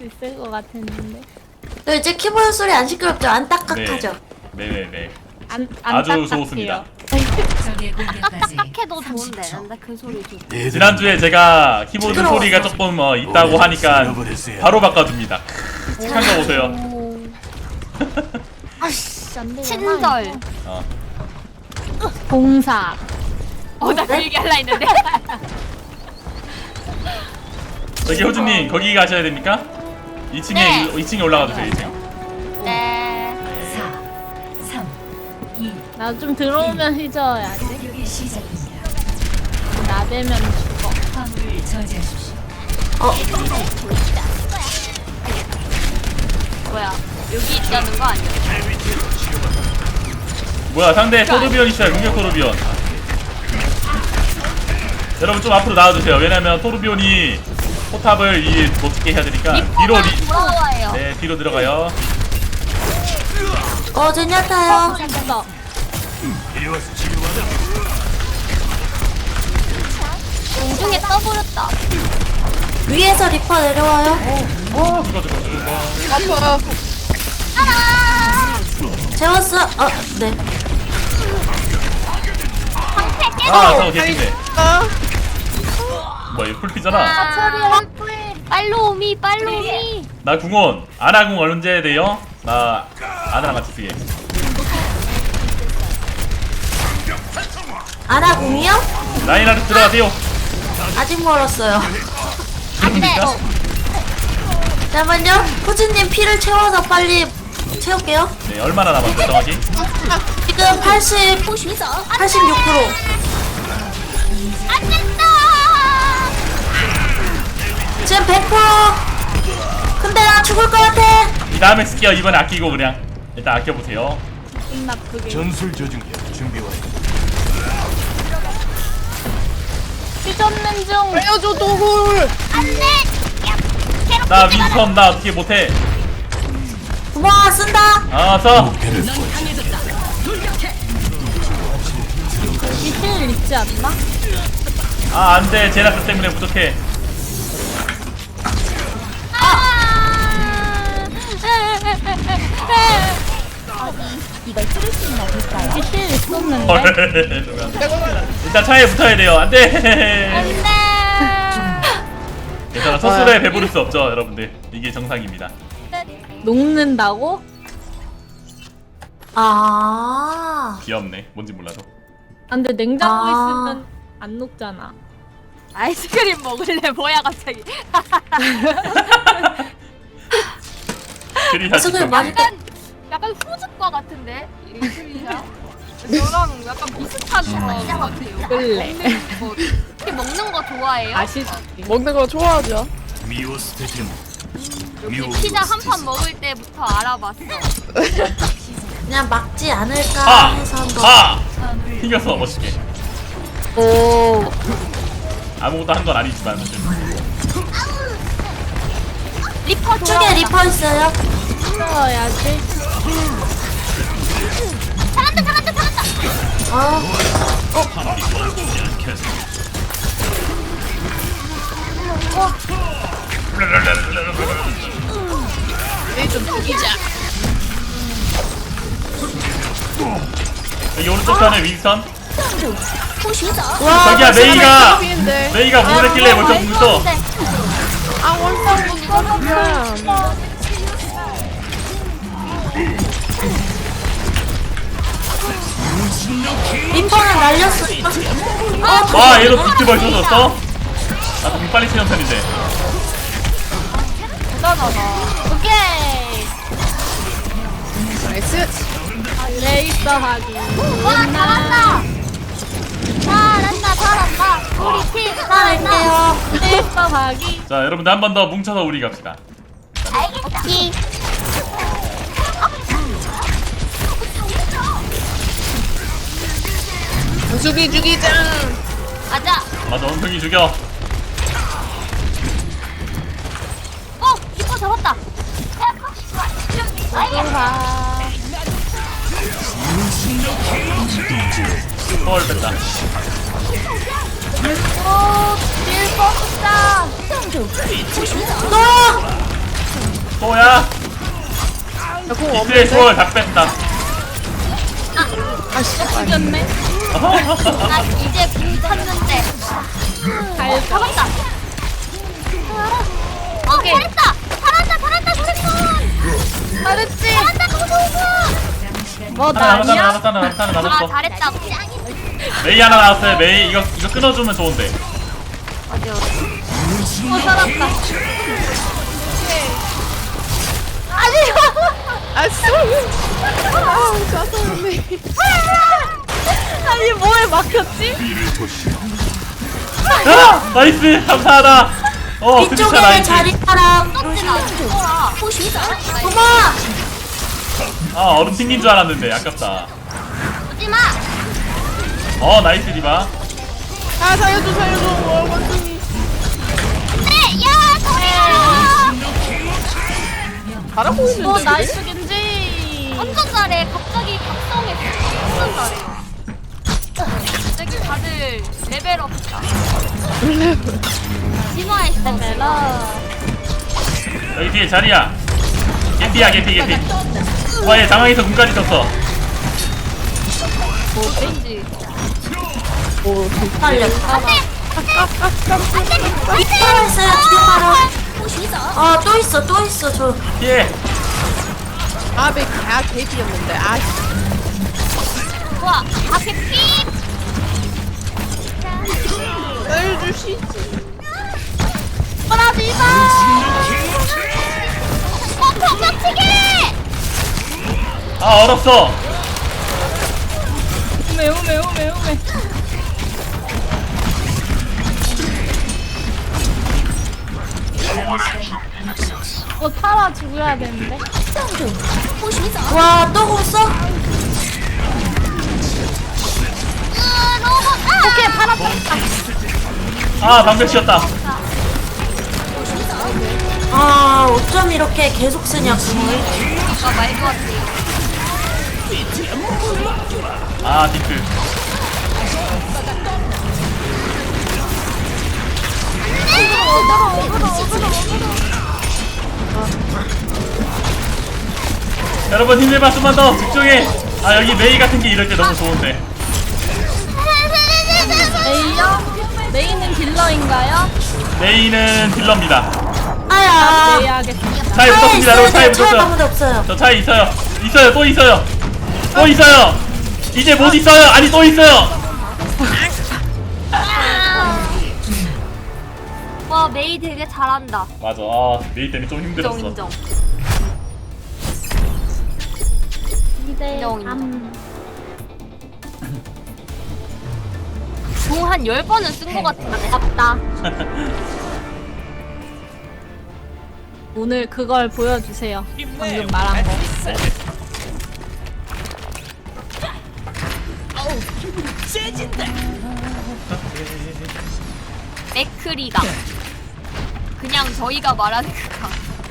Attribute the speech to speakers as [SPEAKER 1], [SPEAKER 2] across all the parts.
[SPEAKER 1] 수 있을 것 같았는데.
[SPEAKER 2] 네, 이제 키보드 소리 안 시끄럽죠? 안 딱딱하죠?
[SPEAKER 1] 안
[SPEAKER 3] 아주
[SPEAKER 1] 딱딱해요.
[SPEAKER 3] 좋습니다.
[SPEAKER 4] 딱딱해도 좋은데 나 그 소리 좀.
[SPEAKER 3] 지난주에 제가 키보드
[SPEAKER 2] 시끄러웠어.
[SPEAKER 3] 소리가 조금 있다고 하니까 바로 바꿔줍니다. 착한 거 보세요.
[SPEAKER 1] 오. 아씨 안 되잖아.
[SPEAKER 4] 친절.
[SPEAKER 3] 어.
[SPEAKER 1] 공사.
[SPEAKER 4] 나 그 얘기 할라 했는데.
[SPEAKER 3] 저기 호주님 거기 가셔야 됩니까? 2층에
[SPEAKER 4] 네.
[SPEAKER 3] 2층에 올라가 주세요. 2층.
[SPEAKER 4] 네.
[SPEAKER 1] 나 좀 들어오면 휘저어야지. 나대면 죽어.
[SPEAKER 4] 뭐야? 여기 있다는 거 아니야?
[SPEAKER 3] 뭐야 상대 토르비온 있어요. 공격 토르비온. 여러분 좀 앞으로 나와주세요. 왜냐면 토르비온이 포탑을 못 찍게 해야 되니까 뒤로
[SPEAKER 4] 돌아와요.
[SPEAKER 3] 네 뒤로 들어가요.
[SPEAKER 2] 제냐타요.
[SPEAKER 1] 됐어.
[SPEAKER 4] 공중에 떠버렸다.
[SPEAKER 2] 위에서 리퍼 내려와요.
[SPEAKER 3] 죽어.
[SPEAKER 2] 재웠어. 네.
[SPEAKER 4] 방패 깨.
[SPEAKER 3] 저거 개인데. 뭐야 이거 풀피잖아.
[SPEAKER 4] 처리할 빨로미 빨로미.
[SPEAKER 3] 나 궁원 아나궁 언제 돼요? 나 아나랑 같이 쓰게.
[SPEAKER 2] 아나궁이요?
[SPEAKER 3] 라인하르트 들어가세요.
[SPEAKER 2] 아직 멀었어요.
[SPEAKER 4] 안돼.
[SPEAKER 2] 잠깐만요. 후지님 피를 채워서 빨리 채울게요.
[SPEAKER 3] 네 얼마나 남았어요 정확히?
[SPEAKER 2] 지금 86%.
[SPEAKER 4] 안 된다.
[SPEAKER 2] 지금 100%. 근데 나 죽을 것 같아.
[SPEAKER 3] 이 다음에 쓸게요. 이번에 아끼고 그냥 일단 아껴보세요.
[SPEAKER 1] 기분 나쁘게.
[SPEAKER 5] 전술 조준기 준비 완료.
[SPEAKER 1] 휘젓는 중.
[SPEAKER 6] 알려줘 도굴.
[SPEAKER 4] 안돼.
[SPEAKER 3] 나 윈턴 나 어떻게 못해.
[SPEAKER 2] 고마워 쓴다.
[SPEAKER 3] 써.
[SPEAKER 1] 이힐 있지 않나?
[SPEAKER 3] 안돼 제라스 때문에 부족해.
[SPEAKER 4] 이걸 뚫을 수 있나 볼까요?
[SPEAKER 1] 이힐 있었는데.
[SPEAKER 3] 헐. 일단 차에 붙어야 돼요. 안돼.
[SPEAKER 4] 안돼.
[SPEAKER 3] 괜찮아. 소스에 배부를 수 없죠 여러분들. 이게 정상입니다.
[SPEAKER 1] 녹는다고?
[SPEAKER 3] 귀엽네. 뭔지 몰라도.
[SPEAKER 1] 근데 냉장고
[SPEAKER 2] 아.
[SPEAKER 1] 있으면 안 녹잖아.
[SPEAKER 4] 아이스크림 먹을래? 뭐야 갑자기?
[SPEAKER 3] 그리야
[SPEAKER 2] 소스를
[SPEAKER 3] 지금.
[SPEAKER 2] 많이
[SPEAKER 4] 약간 후즙과 같은데 이 소리가 저랑 약간 비슷한 것 같아요.
[SPEAKER 1] 끌래.
[SPEAKER 4] 혹시 먹는 거 좋아해요?
[SPEAKER 1] 맛있지.
[SPEAKER 6] 먹는 거 좋아하죠.
[SPEAKER 5] 미오 스테디움.
[SPEAKER 4] 피자 한 판 먹을 때부터 알아봤어.
[SPEAKER 2] 그냥 막지 않을까 해서 한번.
[SPEAKER 3] 튕겼어 멋있게.
[SPEAKER 2] 오.
[SPEAKER 3] 아무것도 한 건 아니지만 사실.
[SPEAKER 4] 리퍼 좋아.
[SPEAKER 2] 쪽에 리퍼 있어요.
[SPEAKER 1] 휘저어야지.
[SPEAKER 4] 잘한다.
[SPEAKER 6] 얘좀 죽이자.
[SPEAKER 3] 여기 오른쪽 편에 윈선.
[SPEAKER 2] 와.
[SPEAKER 3] 저기야 메이가
[SPEAKER 6] 피인데.
[SPEAKER 3] 메이가 문을 했길래 먼저 뭉쳐.
[SPEAKER 6] 아 원상 못 잡았어.
[SPEAKER 2] 리퍼는 날렸어.
[SPEAKER 3] 와 얘도 비트 벌써 줬어? 아 공 빨리 치는 편인데.
[SPEAKER 4] 오케이.
[SPEAKER 6] 나이스.
[SPEAKER 1] 레이서 하기.
[SPEAKER 4] 와 잘한다. 우리 팀 잘한다.
[SPEAKER 2] 할게요.
[SPEAKER 1] 레이서 하기.
[SPEAKER 3] 자 여러분들 한 번 더 뭉쳐서 우리 갑시다.
[SPEAKER 4] 오케이.
[SPEAKER 6] 죽이자.
[SPEAKER 4] 가자.
[SPEAKER 3] 맞아 원숭이 죽여.
[SPEAKER 4] 리퍼 잡았다.
[SPEAKER 3] 헐 뺐다.
[SPEAKER 4] 딜 뽑자.
[SPEAKER 3] 또야
[SPEAKER 6] 나공
[SPEAKER 3] 이스의
[SPEAKER 6] 없는데?
[SPEAKER 3] 초월 다 뺐다.
[SPEAKER 6] 아 씨발.
[SPEAKER 1] 이겼네.
[SPEAKER 4] 나 이제 공 탔는데.
[SPEAKER 1] 잘
[SPEAKER 4] 잡았다. 오케이. 잘했다. 잘한다. 잘했어.
[SPEAKER 1] 잘했지.
[SPEAKER 4] 잘한다. 고고고.
[SPEAKER 1] 뭐
[SPEAKER 3] 하나
[SPEAKER 1] 나냐?
[SPEAKER 3] 남았어.
[SPEAKER 4] 아 잘했다.
[SPEAKER 3] 메이 하나 나왔어요. 메이 이거 끊어주면 좋은데.
[SPEAKER 4] 어디요?
[SPEAKER 1] 살았다.
[SPEAKER 6] 아 쏘. 아 짜증나.
[SPEAKER 1] 아니 뭐에 막혔지?
[SPEAKER 3] 아 나이스 감사하다. 드디어
[SPEAKER 2] 이쪽에
[SPEAKER 3] 나이스.
[SPEAKER 2] 자리 사람.
[SPEAKER 4] 나 죽어라.
[SPEAKER 2] 어머.
[SPEAKER 3] 얼음 튕긴 줄 알았는데 아깝다.
[SPEAKER 4] 오지마.
[SPEAKER 3] 나이스 디바.
[SPEAKER 6] 아 살려줘. 원숭이.
[SPEAKER 4] 네, 야, 소리야.
[SPEAKER 6] 잘하고 있는데.
[SPEAKER 1] 뭐 나이스 겐지.
[SPEAKER 4] 완전 잘해. 갑자기 각성했어. 완전 잘해요. 갑자기 다들 레벨업했다. 진화했어.
[SPEAKER 1] 멜라.
[SPEAKER 3] 여기 뒤에 자리야. 개피. 와얘 당황해서 군까지 떴어.
[SPEAKER 4] 왠지.
[SPEAKER 6] 오
[SPEAKER 2] 빨려. 뒷바로 있어요. 뒷바로. 또 있어. 저.
[SPEAKER 3] 예.
[SPEAKER 6] 아베 개비였는데. 아
[SPEAKER 4] 좋아. 앞에 피.
[SPEAKER 6] 살려주시지.
[SPEAKER 4] 빨아들이다. 빡빡치기.
[SPEAKER 3] 얼었어.
[SPEAKER 1] 우메. 타라 죽여야 되는데.
[SPEAKER 2] 와, 또 공 써?
[SPEAKER 4] 로봇.
[SPEAKER 1] 오케이 파라.
[SPEAKER 3] 방벽 씌웠다.
[SPEAKER 2] 어쩜 이렇게 계속 쓰냐, 공을.
[SPEAKER 4] 아 말도 안 돼.
[SPEAKER 3] 디크. 여러분 힘내봐. 좀만 더 집중해. 여기 메이 같은 게 이럴 때 너무 좋은데.
[SPEAKER 1] 메이요? 메이는 딜러인가요?
[SPEAKER 3] 메이는 딜러입니다.
[SPEAKER 2] 아야.
[SPEAKER 1] 메이 하겠습니다.
[SPEAKER 3] 차에 붙었습니다. 여러분 차에
[SPEAKER 2] 차에
[SPEAKER 3] 붙었어요.
[SPEAKER 2] 아무도 없어요.
[SPEAKER 3] 저 차에 또 있어요. 이제 못 있어요. 아니 또 있어요.
[SPEAKER 4] 와 메이 되게 잘한다.
[SPEAKER 3] 맞아. 메이 때문에 좀 힘들었어.
[SPEAKER 4] 인정.
[SPEAKER 1] 인정.
[SPEAKER 4] 공 한 10번은 쓴 것 같은데.
[SPEAKER 1] 아깝다. 오늘 그걸 보여주세요. 방금 말한 거.
[SPEAKER 4] 맥크리가 그냥 저희가 말하는 그가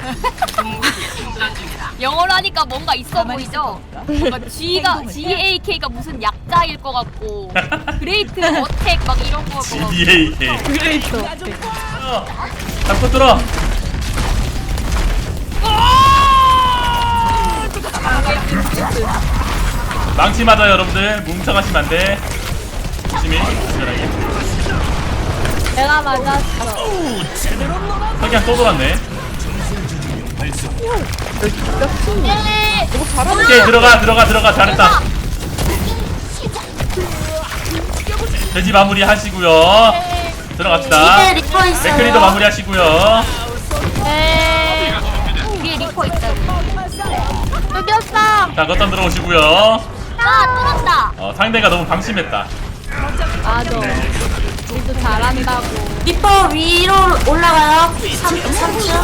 [SPEAKER 4] 영어로 하니까 뭔가 있어 보이죠? 뭔가 GAK가 무슨 약자일 것 같고 그레이트 어택 막 이런 거 같고
[SPEAKER 3] GDAK.
[SPEAKER 1] 그레이터.
[SPEAKER 3] 잡고 들어. 망치 맞아요 여러분들. 뭉쳐가시면 안돼. 조심히 안전하게.
[SPEAKER 1] 내가 맞았어.
[SPEAKER 3] 석양 또 돌았네. 오케이 들어가. 잘했다. 돼지 마무리 하시고요. 들어갑시다.
[SPEAKER 2] 이제 리퍼 있어요.
[SPEAKER 3] 맥크리도 마무리 하시고요.
[SPEAKER 1] 네.
[SPEAKER 4] 뒤에 리퍼 있다.
[SPEAKER 1] 뜯겼어.
[SPEAKER 3] 자 거점 들어오시고요.
[SPEAKER 4] 뚫었다.
[SPEAKER 3] 상대가 너무 방심했다.
[SPEAKER 1] 맞아. 우리도 잘한다고.
[SPEAKER 2] 리퍼 위로 올라가요. 3층.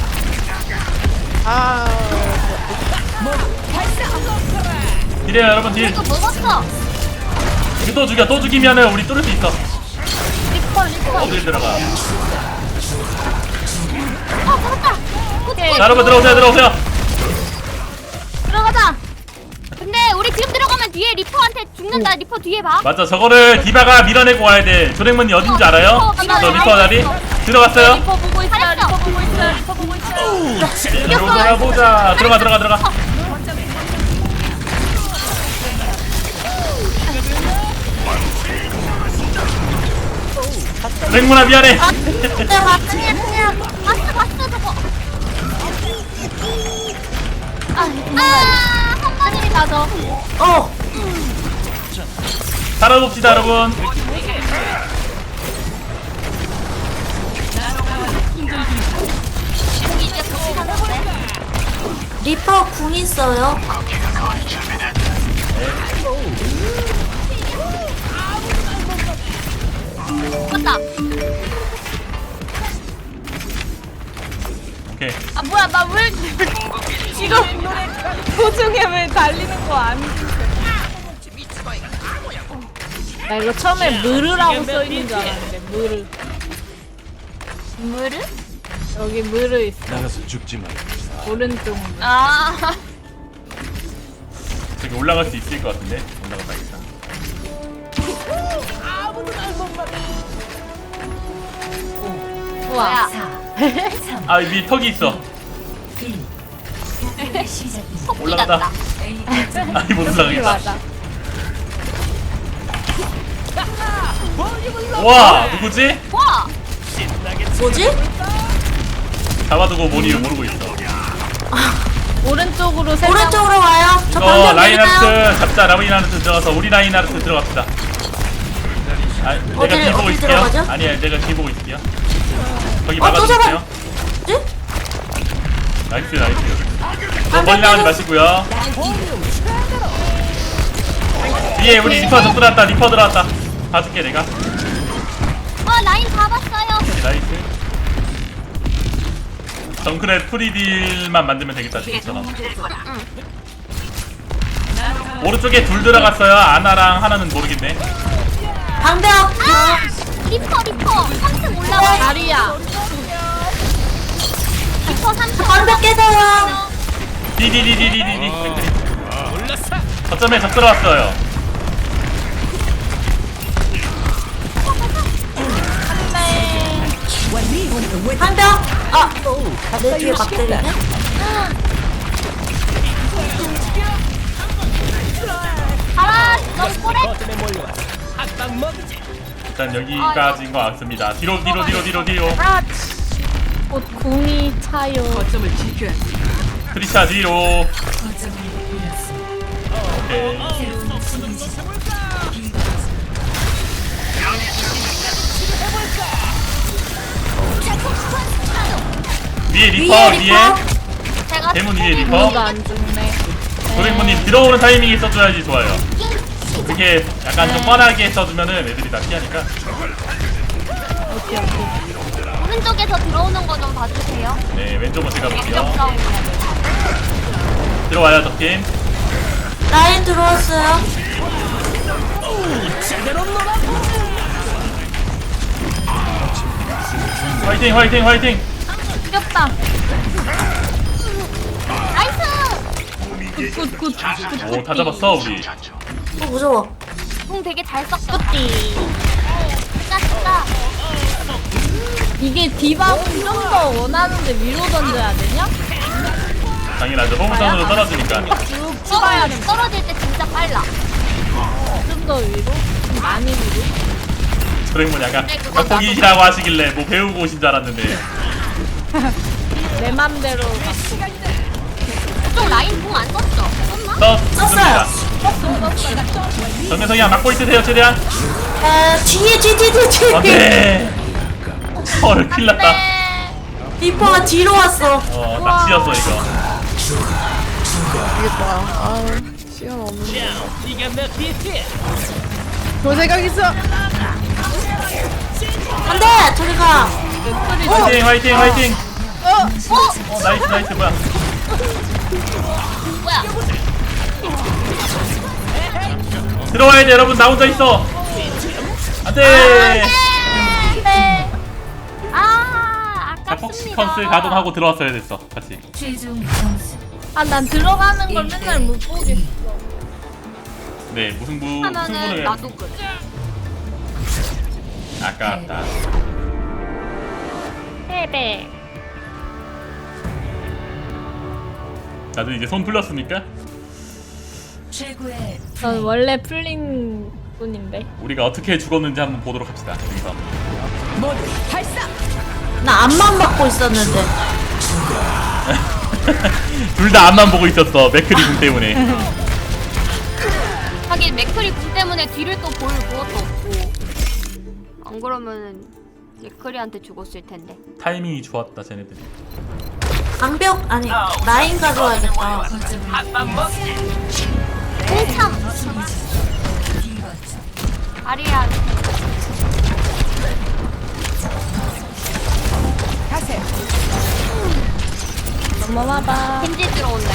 [SPEAKER 3] 딜해요 여러분 딜.
[SPEAKER 4] 이거 먹었어.
[SPEAKER 3] 이거 또 죽이면은 우리 뚫을 수 있어.
[SPEAKER 1] 리퍼.
[SPEAKER 3] 어딜 들어가.
[SPEAKER 4] 잡았다.
[SPEAKER 1] 오케이.
[SPEAKER 3] 자 여러분 들어오세요.
[SPEAKER 4] 들어가자. 근데 우리 지금 들어가면 뒤에 리퍼한테 죽는다. 리퍼 뒤에 봐.
[SPEAKER 3] 맞아 저거를 디바가 밀어내고 와야 돼. 조랭문이 어딘지 알아요? 저 리퍼 자리? 들어갔어요.
[SPEAKER 1] 리퍼 보고 있어요. 리퍼 보고 있어요. 리퍼 보고 있어요.
[SPEAKER 3] 들어가보자. 들어가. 랭문아 미안해.
[SPEAKER 2] 내가 아니야.
[SPEAKER 4] 봤어 저거. 한 마리 맞아.
[SPEAKER 2] 어.
[SPEAKER 3] 살아봅시다 여러분.
[SPEAKER 4] 이제 도착하는데.
[SPEAKER 2] 리퍼 궁 있어요.
[SPEAKER 4] 맞다.
[SPEAKER 3] 오케이.
[SPEAKER 1] 아 뭐야 나 왜 지금 도중에 왜 달리는 거 아니지? 나 이거 처음에 무르라고 써 있는 줄 알았는데 무르.
[SPEAKER 4] 물을?
[SPEAKER 1] 여기 무르 있어.
[SPEAKER 5] 나가서 죽지 마.
[SPEAKER 1] 오른쪽.
[SPEAKER 4] 아.
[SPEAKER 3] 저기 올라갈 수 있을 것 같은데. 올라가봐야겠다.
[SPEAKER 1] 우와.
[SPEAKER 3] 아 위에 턱이 있어.
[SPEAKER 4] 토끼
[SPEAKER 3] 올라가다.
[SPEAKER 4] 같다.
[SPEAKER 3] 아니 못 올라가겠다.
[SPEAKER 1] 맞아.
[SPEAKER 3] 와 누구지?
[SPEAKER 4] 와.
[SPEAKER 2] 뭐지?
[SPEAKER 3] 잡아두고 뭔지를 모르고 있어.
[SPEAKER 1] 오른쪽으로 세 명.
[SPEAKER 2] 오른쪽으로 와요. 저
[SPEAKER 3] 이거
[SPEAKER 2] 방금
[SPEAKER 3] 라인하르트 잡자. 라인하르트 들어가서 우리 라인하르트 들어갑시다. 아, 내가
[SPEAKER 2] 어딜-
[SPEAKER 3] 뒤 보고
[SPEAKER 2] 어딜
[SPEAKER 3] 있을게요.
[SPEAKER 2] 들어가죠?
[SPEAKER 3] 아니야 내가 뒤 보고 있을게요. 거기
[SPEAKER 2] 또
[SPEAKER 3] 막아주세요.
[SPEAKER 2] 네?
[SPEAKER 3] 나이스. 너무 멀리 나가지 마시고요. 위에 우리 리퍼 들어왔다. 리퍼 들어왔다. 봐줄게 내가.
[SPEAKER 4] 라인 잡았어요.
[SPEAKER 3] 오케이, 나이스. 정크랩 프리딜만 만들면 되겠다 지금처럼. 오른쪽에 둘 들어갔어요. 아나랑 하나는 모르겠네.
[SPEAKER 2] 방벽.
[SPEAKER 4] 리퍼 3층 올라와.
[SPEAKER 1] 다리야.
[SPEAKER 4] 리퍼 3층.
[SPEAKER 2] 방벽 깨져요.
[SPEAKER 3] 디디디디디디디. 거점에 적 들어왔어요.
[SPEAKER 2] 방벽. 아. 내 뒤에 막 때리네.
[SPEAKER 4] 가라. 너 꼬레.
[SPEAKER 3] 일단 여기까지인 것 같습니다. 뒤로.
[SPEAKER 1] 아, 옷 궁이 차요.
[SPEAKER 3] 트리샤 뒤로. 오케이. 위에 리퍼
[SPEAKER 2] 위에
[SPEAKER 3] 위에
[SPEAKER 2] 리퍼.
[SPEAKER 4] 제가
[SPEAKER 3] 대문 위에 리퍼.
[SPEAKER 1] 궁이가 안 죽네.
[SPEAKER 3] 도랭모님 들어오는 타이밍에 써줘야지 좋아요. 그게 약간 좀 뻔하게 써주면은 애들이 다 피하니까.
[SPEAKER 4] 오른쪽에서 들어오는 거 좀 봐주세요.
[SPEAKER 3] 네 왼쪽은 제가
[SPEAKER 4] 왼쪽
[SPEAKER 3] 볼게요.
[SPEAKER 4] 싸움 해야 돼.
[SPEAKER 3] 들어와요 적팀.
[SPEAKER 2] 라인 들어왔어요.
[SPEAKER 3] 화이팅.
[SPEAKER 1] 죽였다.
[SPEAKER 4] 나이스.
[SPEAKER 1] 굿.
[SPEAKER 3] 오 다 잡았어 우리.
[SPEAKER 2] 무서워.
[SPEAKER 4] 공 되게 잘 썼어.
[SPEAKER 1] 굿띠.
[SPEAKER 4] 진짜.
[SPEAKER 1] 이게 디바는 좀 더 원하는데 위로 던져야 되냐?
[SPEAKER 3] 당연하죠. 호물선으로 떨어지니까.
[SPEAKER 1] 쭉 치봐야 돼.
[SPEAKER 4] 떨어질 때 진짜 빨라.
[SPEAKER 1] 좀 더 위로? 좀 많이 위로?
[SPEAKER 3] 도랭모 약간
[SPEAKER 4] 네, 그거
[SPEAKER 3] 격투기시라고 하시길래 뭐 배우고 오신 줄 알았는데.
[SPEAKER 1] 내 맘대로
[SPEAKER 4] 그쪽 라인 공 안 썼죠? 썼나?
[SPEAKER 3] 썼습니다. 정면성이야 막고 있으세요 최대한.
[SPEAKER 2] 뒤에.
[SPEAKER 3] 안돼. 헐 큰일났다.
[SPEAKER 4] 네.
[SPEAKER 2] 리퍼가 뒤로 왔어.
[SPEAKER 3] 낚시였어 이거.
[SPEAKER 6] 되겠다. 아, 시간 없는데. 볼 생각 있어.
[SPEAKER 2] 안돼. 저리 가.
[SPEAKER 3] 화이팅.
[SPEAKER 4] 어?
[SPEAKER 3] 나이스 뭐야.
[SPEAKER 4] 뭐야?
[SPEAKER 3] 들어와야 돼 여러분. 나 혼자 있어. 안돼.
[SPEAKER 4] 네. 아깝습니다.
[SPEAKER 3] 폭시컨스 가동하고 들어왔어야 됐어 같이.
[SPEAKER 1] 아 난 들어가는 걸 맨날 못 보겠어.
[SPEAKER 3] 네 무승부
[SPEAKER 4] 하면은
[SPEAKER 3] 승부는
[SPEAKER 4] 나도 그래.
[SPEAKER 3] 아깝다.
[SPEAKER 1] 헤베.
[SPEAKER 3] 다들 이제 손 풀렸습니까?
[SPEAKER 1] 전 원래 풀린 분인데.
[SPEAKER 3] 우리가 어떻게 죽었는지 한번 보도록 합시다. 여기서.
[SPEAKER 2] 나 앞만 받고 있었는데.
[SPEAKER 3] 둘 다 앞만 보고 있었어. 맥크리 궁 때문에.
[SPEAKER 4] 하긴 맥크리 궁 때문에 뒤를 또 볼 그것도 없고. 안 그러면은 맥크리한테 죽었을 텐데.
[SPEAKER 3] 타이밍이 좋았다 쟤네들이.
[SPEAKER 2] 방벽 아니 라인 가져와야겠다.
[SPEAKER 4] 아리야.
[SPEAKER 1] 넘어와봐.
[SPEAKER 4] 겐지 들어온다.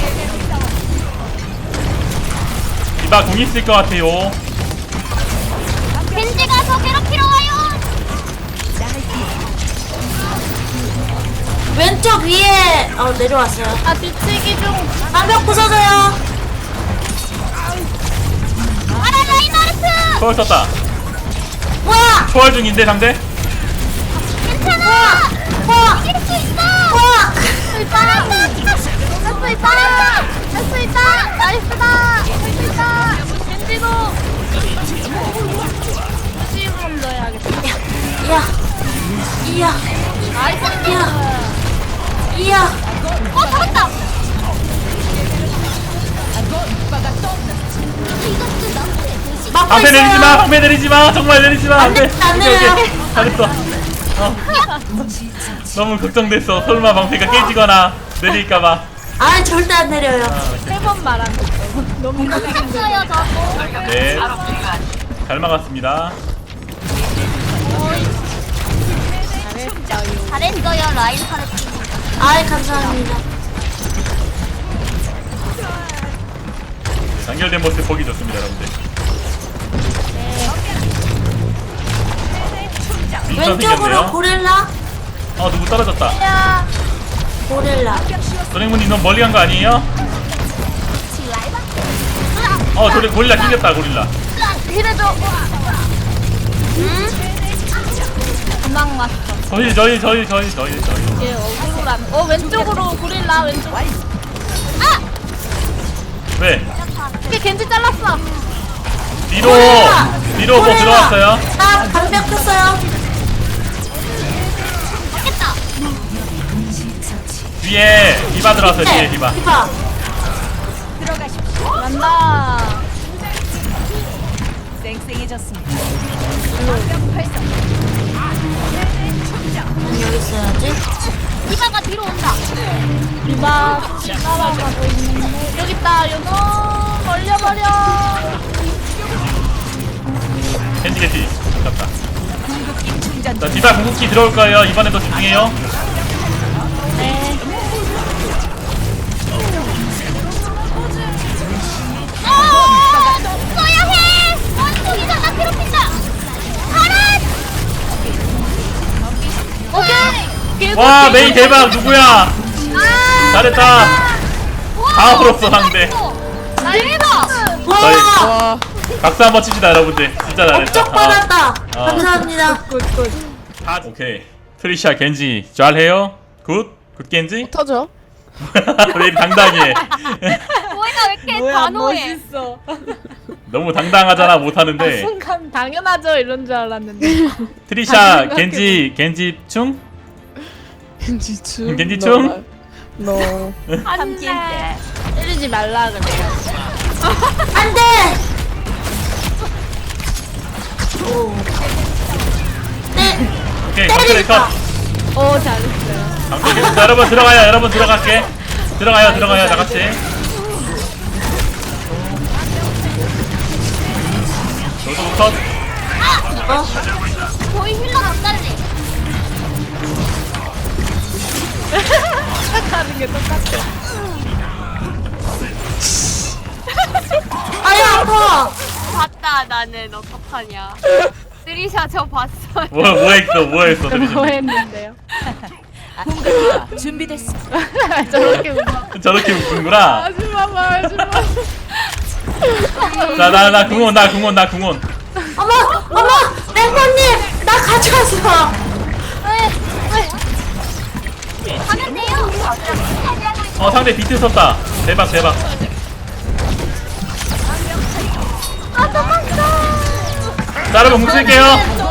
[SPEAKER 3] 디바 궁 있을 것 같아요.
[SPEAKER 4] 겐지 가서 괴롭히러 와요.
[SPEAKER 2] 왼쪽 위에 내려왔어요.
[SPEAKER 1] 아 뒤치기 좀.
[SPEAKER 2] 방벽 부서져요.
[SPEAKER 4] 아라 라인하르트.
[SPEAKER 3] 초월 썼다.
[SPEAKER 2] 뭐야?
[SPEAKER 3] 초월 중인데 상대?
[SPEAKER 4] 괜찮아.
[SPEAKER 2] 와!
[SPEAKER 4] 이길 수 있어.
[SPEAKER 2] 와!
[SPEAKER 4] 할수 있다. 할수 있다. 할수 있다. 나이스다. 할수 있다.
[SPEAKER 1] 겐지도. 시금 넣어야겠다.
[SPEAKER 2] 이야. 이야.
[SPEAKER 4] 나이스.
[SPEAKER 2] 이야. 이야.
[SPEAKER 4] 잡았다.
[SPEAKER 2] 막고
[SPEAKER 3] 방패
[SPEAKER 2] 있어요.
[SPEAKER 3] 내리지 마. 방패 내리지 마. 정말 내리지 마.
[SPEAKER 2] 안 돼, 안 돼요.
[SPEAKER 3] 잘했어. 너무 걱정됐어. 설마 방패가 깨지거나 내릴까봐.
[SPEAKER 2] 아 절대 안 내려요.
[SPEAKER 1] 세 번 말한 거. 너무
[SPEAKER 4] 쳤어요 저거.
[SPEAKER 3] 네. 잘 막았습니다.
[SPEAKER 4] 잘했어요 라인하르트.
[SPEAKER 2] 아이 감사합니다.
[SPEAKER 3] 연결된 모습 보기 좋습니다, 여러분들. 민선
[SPEAKER 2] 왼쪽으로
[SPEAKER 3] 생겼네요.
[SPEAKER 2] 고릴라.
[SPEAKER 3] 누구 떨어졌다.
[SPEAKER 2] 고릴라.
[SPEAKER 3] 도랭문님 너무 멀리 간 거 아니에요? 저리 고릴라 낑겼다, 고릴라.
[SPEAKER 4] 힐해줘.
[SPEAKER 1] 도망 왔어.
[SPEAKER 3] 저희.
[SPEAKER 1] 얘 억울한. 왼쪽으로 고릴라 왼쪽.
[SPEAKER 3] 왜?
[SPEAKER 1] 이게 겐지 잘랐어.
[SPEAKER 3] 뒤로 뭐 들어왔어요?
[SPEAKER 2] 나 방벽 폈어요.
[SPEAKER 4] 맞겠다.
[SPEAKER 3] 뒤에 디바 들어왔어요, 뒤에 디바.
[SPEAKER 2] 디바.
[SPEAKER 1] 간다.
[SPEAKER 2] 여기 있어야지.
[SPEAKER 4] 디바가 뒤로 온다.
[SPEAKER 1] 디바 따라가고 있는데 여기 있다. 연어 걸려버려.
[SPEAKER 3] 겐지. 잡다. 자, 디바 궁극기 들어올 거예요. 이번에도 집중해요.
[SPEAKER 1] 네.
[SPEAKER 4] 써야 해. 원숭이가 나 괴롭힌다. 가라. 오케이.
[SPEAKER 3] 와, 메이 대박. 누구야? 잘했다. 다 풀었어, 상대.
[SPEAKER 4] 대박.
[SPEAKER 3] 저희
[SPEAKER 2] 와!
[SPEAKER 3] 박수 한번 칩시다, 여러분들. 진짜 잘했다.
[SPEAKER 2] 업적 받았다.
[SPEAKER 3] 아.
[SPEAKER 2] 감사합니다.
[SPEAKER 1] 굿굿.
[SPEAKER 3] 오케이. 트리샤, 겐지. 잘해요. 굿 겐지.
[SPEAKER 6] 터져.
[SPEAKER 3] 왜 이리 당당해?
[SPEAKER 4] 뭐야 왜 이렇게
[SPEAKER 1] 뭐야
[SPEAKER 4] 단호해?
[SPEAKER 1] 멋있어.
[SPEAKER 3] 너무 당당하잖아, 못하는데.
[SPEAKER 1] 순간 당연하죠 이런 줄 알았는데.
[SPEAKER 3] 트리샤, 겐지 충?
[SPEAKER 6] 겐지충.
[SPEAKER 3] 겐지충?
[SPEAKER 6] 너.
[SPEAKER 4] 안돼.
[SPEAKER 1] 때리지 말라 그래요.
[SPEAKER 2] 안 돼! 오. 네.
[SPEAKER 3] 오케이, 방패 컷.
[SPEAKER 1] 오 잘했어요.
[SPEAKER 3] 방패 컷. 여러분 들어가요. 여러분 들어갈게. 들어가요. 다 같이. 저도 컷.
[SPEAKER 4] 거의 힐러 못 달리.
[SPEAKER 1] 하는 게 똑같아.
[SPEAKER 2] 아유 아파.
[SPEAKER 4] 봤다 나는 어떡하냐. 드리샤 저 봤어요.
[SPEAKER 3] 뭐 했어, 트리샤.
[SPEAKER 1] 뭐 했는데요?
[SPEAKER 7] 준비됐어.
[SPEAKER 1] 저렇게 웃어.
[SPEAKER 3] 저렇게 웃는구나.
[SPEAKER 1] 하지마 말지마.
[SPEAKER 3] 나 궁원.
[SPEAKER 2] 어머 멤버님 나 가져왔어.
[SPEAKER 3] 상대 비트 썼다. 대박 대박. 자 여러분 뭉칠게요.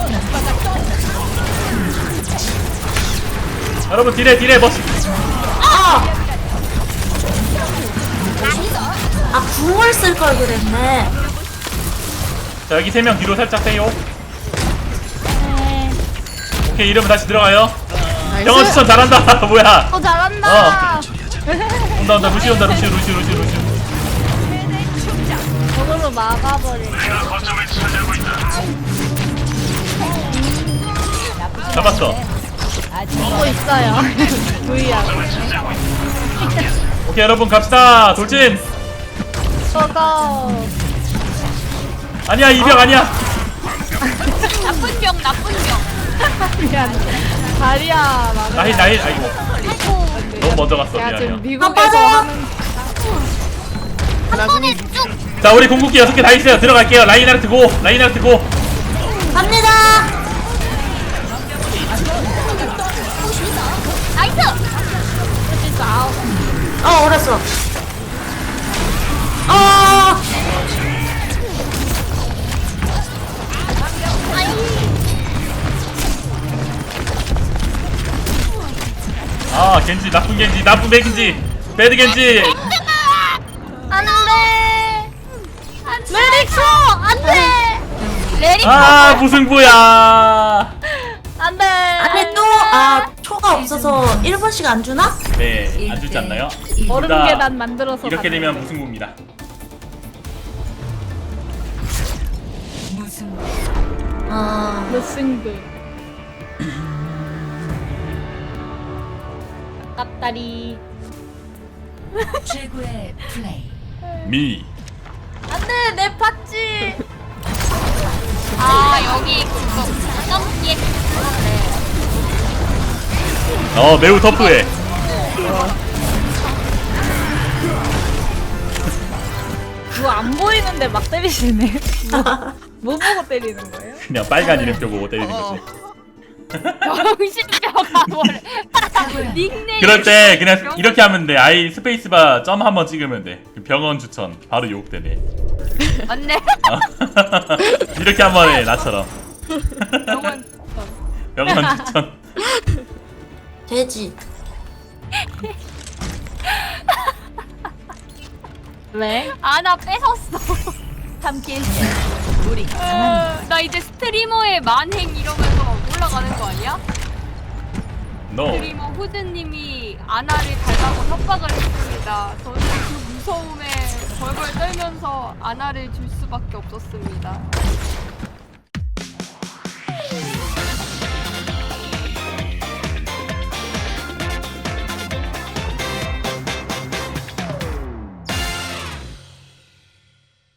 [SPEAKER 3] 여러분 딜에 멋있.
[SPEAKER 2] 아 궁을 쓸 걸 그랬네.
[SPEAKER 3] 자 여기 3명 뒤로 살짝 빼요. 오케이 이러면 다시 들어가요. 병원 추천 잘한다. 뭐야?
[SPEAKER 1] 잘한다.
[SPEAKER 3] 온다 루시 온다 루시.
[SPEAKER 1] 저걸로 막아버리네.
[SPEAKER 3] 잡았어.
[SPEAKER 1] 보고 있어요. V하고.
[SPEAKER 3] 오케이 여러분 갑시다. 돌진.
[SPEAKER 1] 고고.
[SPEAKER 3] 아니야 이병 아니야.
[SPEAKER 4] 나쁜 병.
[SPEAKER 1] 미안. 다리야 막아.
[SPEAKER 3] 나힐 아이고. 너무 먼저 갔어.
[SPEAKER 1] 야 지금
[SPEAKER 3] 미안해요.
[SPEAKER 1] 미국에서
[SPEAKER 2] 빠져요.
[SPEAKER 1] 하는
[SPEAKER 4] 한 번에 쭉.
[SPEAKER 3] 자 우리 궁극기 6개 다 있어요. 들어갈게요. 라인하르트 고.
[SPEAKER 2] 갑니다.
[SPEAKER 4] 나이스.
[SPEAKER 2] 어렸어.
[SPEAKER 3] 아 겐지 나쁜 겐지 배드 겐지.
[SPEAKER 4] 안돼. 레릭소 안돼. 레릭소
[SPEAKER 3] 아 무승부야.
[SPEAKER 1] 안돼.
[SPEAKER 2] 아니 또 초가 없어서 1분씩 안 주나?
[SPEAKER 3] 네, 안 주지 않나요?
[SPEAKER 1] 얼음
[SPEAKER 3] 둘 다
[SPEAKER 1] 계단 만들어서
[SPEAKER 3] 이렇게
[SPEAKER 1] 가는
[SPEAKER 3] 되면
[SPEAKER 1] 거.
[SPEAKER 3] 무승부입니다.
[SPEAKER 1] 무승부. 깝다리.
[SPEAKER 7] 최고의 플레이.
[SPEAKER 3] 미.
[SPEAKER 1] 안돼 내 팥지.
[SPEAKER 4] 아 여기 그거 점프기.
[SPEAKER 3] 매우 터프해.
[SPEAKER 1] 뭐 안 보이는데 막 때리시네. 뭐 보고 때리는 거예요?
[SPEAKER 3] 그냥 빨간 이름표 보고 때리는 거지.
[SPEAKER 4] 정신병아 뭐래. 닉네임.
[SPEAKER 3] 그럴 때 그냥 이렇게 하면 돼. 아이 스페이스바 점 한번 찍으면 돼. 그 병원 추천 바로 유혹되네.
[SPEAKER 4] 맞네.
[SPEAKER 3] 이렇게 한번 해 나처럼.
[SPEAKER 4] 병원.
[SPEAKER 3] 병원 추천.
[SPEAKER 2] 돼지.
[SPEAKER 1] 왜?
[SPEAKER 4] 나 뺏었어.
[SPEAKER 1] 함께
[SPEAKER 4] 나 이제 스트리머의 만행 이러면서 올라가는 거 아니야?
[SPEAKER 3] No.
[SPEAKER 4] 스트리머 후드님이 아나를 달라고 협박을 했습니다. 저는 그 무서움에 벌벌 떨면서 아나를 줄 수밖에 없었습니다.